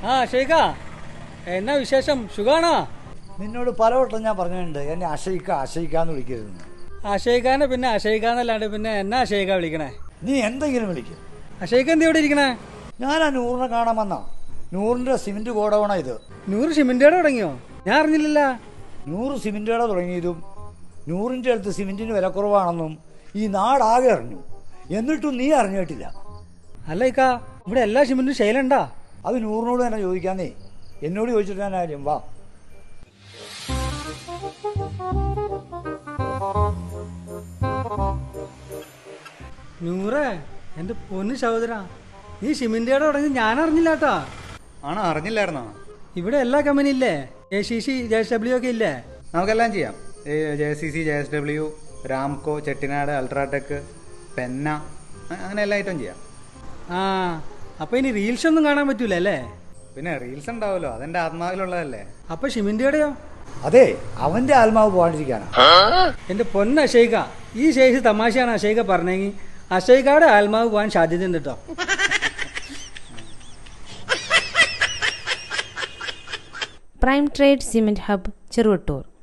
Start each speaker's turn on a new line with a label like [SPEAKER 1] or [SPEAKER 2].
[SPEAKER 1] ആ ഷെയ്ഖാ, എന്നാ വിശേഷം? സുഖാണോ?
[SPEAKER 2] നിന്നോട് പലവട്ടം ഞാൻ പറഞ്ഞിട്ടുണ്ട് എന്നെ അഷയിക്കാന്ന് വിളിക്കരുതെന്ന്.
[SPEAKER 1] അഷയ്ഖാനെ പിന്നെ അഷയ്ഖാന്നല്ലാണ്ട് പിന്നെ എന്നാ അഷയ്ഖ വിളിക്കണേ?
[SPEAKER 2] നീ എന്തെങ്കിലും വിളിക്കും.
[SPEAKER 1] അഷയ്ഖ എന്ത് ഇവിടെ ഇരിക്കണേ?
[SPEAKER 2] ഞാൻ ആ നൂറിനെ കാണാൻ വന്നാ. നൂറിന്റെ സിമെന്റ് ഗോഡൗണാ ഇത്.
[SPEAKER 1] 100 സിമെന്റുകട തുടങ്ങിയോ? ഞാൻ അറിഞ്ഞില്ലല്ല.
[SPEAKER 2] 100 സിമെന്റ് കട തുടങ്ങിയതും നൂറിന്റെ അടുത്ത് സിമെന്റിന് വില കുറവാണെന്നും ഈ നാടാകെ അറിഞ്ഞു. എന്നിട്ടും നീ അറിഞ്ഞിട്ടില്ല.
[SPEAKER 1] അല്ല ഇക്ക, ഇവിടെ എല്ലാ സിമെന്റും ശൈലുണ്ടാ?
[SPEAKER 2] അത് നൂറിനോട് തന്നെ ചോദിക്കാന്നേ. എന്നോട് ചോദിച്ചിട്ട് ഞാൻ ആര്യം. വാ.
[SPEAKER 1] നൂറേ, എന്റെ പൊന്ന് സഹോദര, നീ സിമെന്റ് കട തുടങ്ങി ഞാൻ അറിഞ്ഞില്ലാട്ടാ.
[SPEAKER 3] ആണോ? അറിഞ്ഞില്ലായിരുന്നോ?
[SPEAKER 1] ഇവിടെ എല്ലാ കമ്പനി ഇല്ലേ? ACC, JSW ഒക്കെ ഇല്ലേ?
[SPEAKER 3] നമുക്കെല്ലാം ചെയ്യാം. JCC, JSW, Ramco, Chettinad, UltraTech, Penna, അങ്ങനെ എല്ലാ ഐറ്റം ചെയ്യാം.
[SPEAKER 1] ആ, അപ്പൊ ഇനി റീൽസ് ഒന്നും കാണാൻ പറ്റൂല അല്ലേ?
[SPEAKER 3] പിന്നെ റീൽസ് ഉണ്ടാവുമല്ലോ, അതെന്റെ ആത്മാവിലുള്ളതല്ലേ.
[SPEAKER 1] അപ്പൊ സിമെന്റ് കടയോ?
[SPEAKER 2] അതെ, അവന്റെ ആത്മാവ് പോകാണ്ടിരിക്കാനാ.
[SPEAKER 1] എന്റെ പൊന്ന അഷയ്ഖ, ഈ ശേഷി തമാശയാണ് അഷയ്ഖ പറഞ്ഞെങ്കിൽ അഷയ്ഖയുടെ ആത്മാവ് പോകാൻ സാധ്യതയുണ്ട് കേട്ടോ.
[SPEAKER 4] Prime trade cement hub Cheruvattoor.